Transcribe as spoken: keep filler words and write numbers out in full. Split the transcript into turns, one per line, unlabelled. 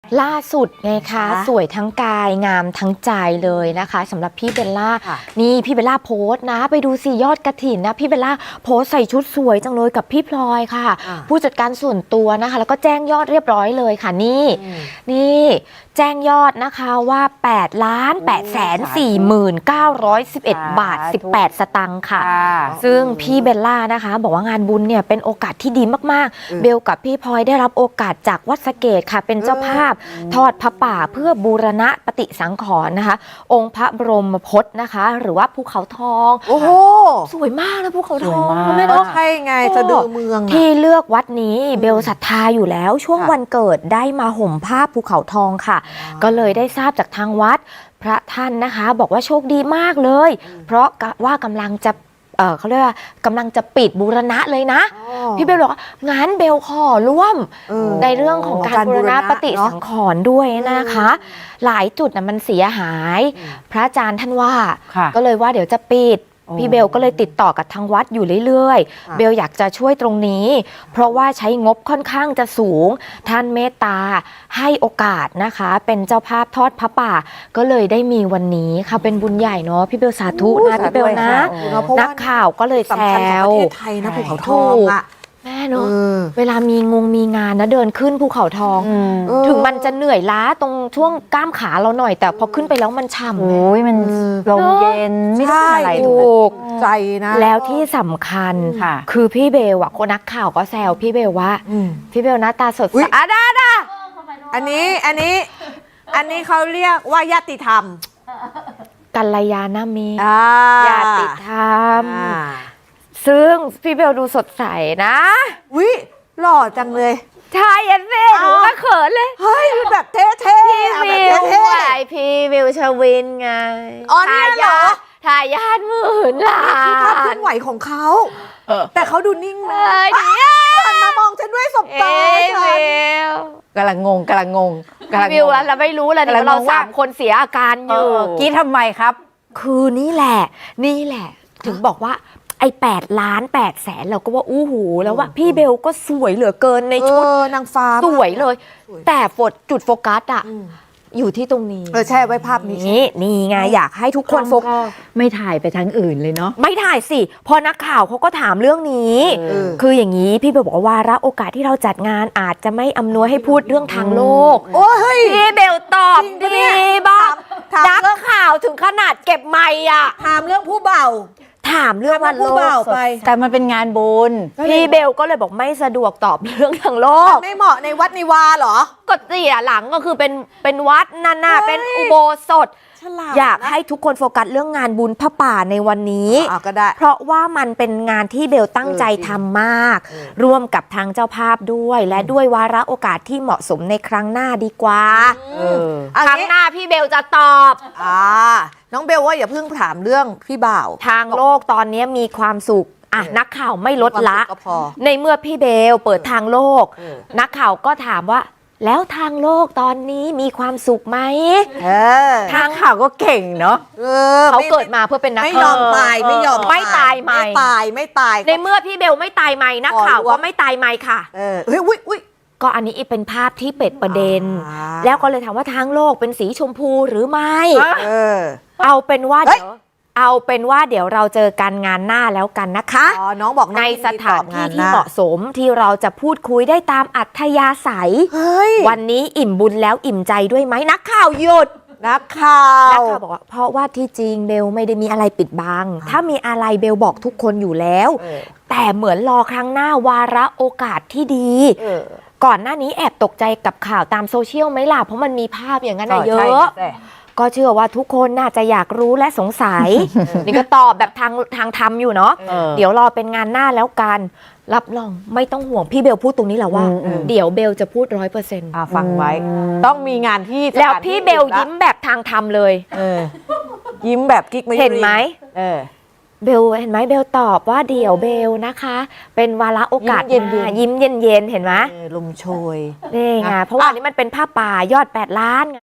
ล่าสุดไงคะสวยทั้งกายงามทั้งใจเลยนะคะสำหรับพี่เบลล่านี่พี่เบลล่าโพสต์นะไปดูสิยอดกระถินนะพี่เบลล่าโพสต์ใส่ชุดสวยจังเลยกับพี่พลอยค่ะผู้จัดการส่วนตัวนะคะแล้วก็แจ้งยอดเรียบร้อยเลยค่ะนี่นี่แจ้งยอดนะคะว่าแปดล้านแปดแสนสี่หมื่นเก้าร้อยสิบเอ็ดบาทสิบแปดสตางค์ค่ะซึ่งพี่เบลล่านะคะบอกว่างานบุญเนี่ยเป็นโอกาสที่ดีมากๆเบลกับพี่พลอยได้รับโอกาสจากวัดสะเกษค่ะเป็นเจ้าภาพทอดพระป่าเพื่อบูรณะปฏิสังขรณ์นะคะองค์พระบรมพจน์นะคะหรือว่าภูเขาทองโอ้โหสวยมากนะภูเขาทอง
ไม่ต้องใช่ไงสะดือเมือง
ที่เลือกวัดนี้เบลศรัทธาอยู่แล้วช่วงวันเกิดได้มาห่มผ้าภูเขาทองค่ะก็เลยได้ทราบจากทางวัดพระท่านนะคะบอกว่าโชคดีมากเลยเพราะว่ากำลังจะเออเขาเรียกว่ากำลังจะปิดบูรณะเลยนะพี่เบลบอกงั้นเบลขอร่วมในเรื่องของการบูรณะปฏิสังขรณ์ด้วยนะคะหลายจุดนะมันเสียหายพระอาจารย์ท่านว่าก็เลยว่าเดี๋ยวจะปิดพี่เบลก็เลยติดต่อกับทางวัดอยู่เรื่อยๆเบลอยากจะช่วยตรงนี้เพราะว่าใช้งบค่อนข้างจะสูงท่านเมตตาให้โอกาสนะคะเป็นเจ้าภาพทอดพระป่าก็เลยได้มีวันนี้ค่ะเป็นบุญใหญ่เนาะพี่เบลสาธุนะพี่เบลนะนักข่าวก็เลยแซว
ประเทศไทยนะภูเขาทองอะ
แม่เนาะเวลามีงงมีงานนะเดินขึ้นภูเขาทองถึงมันจะเหนื่อยล้าตรงช่วงกล้ามขาเราหน่อยแต่พอขึ้นไปแล้วมันฉ่ำ
โอ้ยมันลมเย็นไม่ได้อะไร
ถูก
ใจนะ
แล้วที่สำคัญคือพี่เบลอะคนนักข่าวก็แซวพี่เบลว่าพี่เบลหน้าตาสดใส
อ่ะได้ได้อันนี้อันนี้อันนี้เขาเรียกว่าญาติธรรม
กัลยาณมิตรญาติธรรมซึ่งพี่เบลดูสดใสนะ
วิหล่อจังเลย
ใช่ยันเซ่หนูก็เขินเลย
เฮ้ยแบบเท่ๆ
พี่วิวไหวพี่วิวชวินไง
อ๋อนี่เหรอ
ทายาทหมื่นล้าน
ภาพเคลื่อนไหวของเขาแต่เขาดูนิ่ง
เลยดิ
หันมามองฉันด้วยสบตา
ฉัน
กำลังงงกำลังงง
วิวเราไม่รู้เลยเราสามคนเสียอาการอยู่
กี้ทำไมครับ
คือนี่แหละนี่แหละถึงบอกว่าไอ้แปดล้านแปดแสนเราก็ว่าอู้หูแล้วว่าพี่เบลก็สวยเหลือเกินในชุด
นางฟ้า
สวยเลยแต่โฟกัสจุดโฟกัสอะอยู่ที่ตรงนี้
เออใช่ไว้ภาพนี้
นี่ไงอยากให้ทุกคนโฟกัส
ไม่ถ่ายไปทางอื่นเลยเนาะ
ไม่ถ่ายสิพอนักข่าวเขาก็ถามเรื่องนี้คืออย่างนี้พี่เบลบอกว่าวาระโอกาสที่เราจัดงานอาจจะไม่อำนวยให้พูดเรื่องทางโลก
โอ้ย
พี่เบลตอบดีบ้างนักข่าวถึงขนาดเก็บไมค์อะ
ถามเรื่องผู้เบา
ถามเรื่องวันโลก
ไป
แต่มันเป็นงานบุญ
พี่เบลก็เลยบอกไม่สะดวกตอบเรื่องทางโลก
ไม่เหมาะในวัดนิวาเหรอ
ก็เสียหลังก็คือเป็นเป็นวัดนั่นน่ะเป็นอุโบสถอยากให้ทุกคนโฟกัสเรื่องงานบุญพระป่าในวันนี้
ก็ได้
เพราะว่ามันเป็นงานที่เบลตั้งใจทำมากร่วมกับทางเจ้าภาพด้วยและด้วยวาระโอกาสที่เหมาะสมในครั้งหน้าดีกว่าครั้งหน้าพี่เบลจะตอบ
อ่าน้องเบลว่าอย่าเพิ่งถามเรื่องพี่บ่าว
ทางโลกตอนนี้มีความสุขอ่ะนักข่าวไม่ลดละในเมื่อพี่เบลเปิดทางโลกนักข่าวก็ถามว่าแล้วทางโลกตอนนี้มีความสุขไหม
ทางข่าวก็เก่งเนาะ
เขาเกิดมาเพื่อเป็นนัก
ข่าวไม่ยอมตายไม่ยอม
ไม่ตายไม่
ตายไม่ตาย
ในเมื่อพี่เบลไม่ตายไม่นักข่าวก็ไม่ตายไม่ค่ะ
เออเฮ้ยอุ้ยอุ้ย
ก็อันนี้เป็นภาพที่เป็ดประเด็นแล้วก็เลยถามว่าทางโลกเป็นสีชมพูหรือไม่
เออ
เอาเป็นว่าเดี๋ยวเอาเป็นว่าเดี๋ยวเราเจอกันงานหน้าแล้วกันนะคะ
อ๋อน้องบอก
ในสถานที่ที่เหมาะสมที่เราจะพูดคุยได้ตามอัธยาศัยวันนี้อิ่มบุญแล้วอิ่มใจด้วยไหมนักข่าวหยุด
นักข่าว
นักข่าวบอกว่าเพราะว่าที่จริงเบลไม่ได้มีอะไรปิดบังถ้ามีอะไรเบลบอกทุกคนอยู่แล้วแต่เหมือนรอครั้งหน้าวาระโอกาสที่ดีก่อนหน้านี้แอบตกใจกับข่าวตามโซเชียลไหมล่ะเพราะมันมีภาพอย่างนั้นเยอะก็เชื่อว่าทุกคนน่าจะอยากรู้และสงสัย นี่ก็ตอบแบบทางทางธรรมอยู่เนาะเดี๋ยวรอเป็นงานหน้าแล้วกันรับรองไม่ต้องห่วงพี่เบลพูดตรงนี้แหละว่าเดี๋ยวเบลจะพูดร้อยเปอร์เซ็นต์
ฟังไว้ต้องมีงานที่
แล้วพี่เบลยิ้มแบบทางธรรมเลย
ยิ้มแบบกิ๊กไม่
เห็นไหมเบลเห็นไหมเบลตอบว่าเดี๋ยวเบลนะคะเป็นวาระโอกาสยิ้มเย็นเย็นเห็นไหม
ลมโชย
นี่ไงเพราะว่านี้มันเป็นผ้าป่ายอดแปดล้าน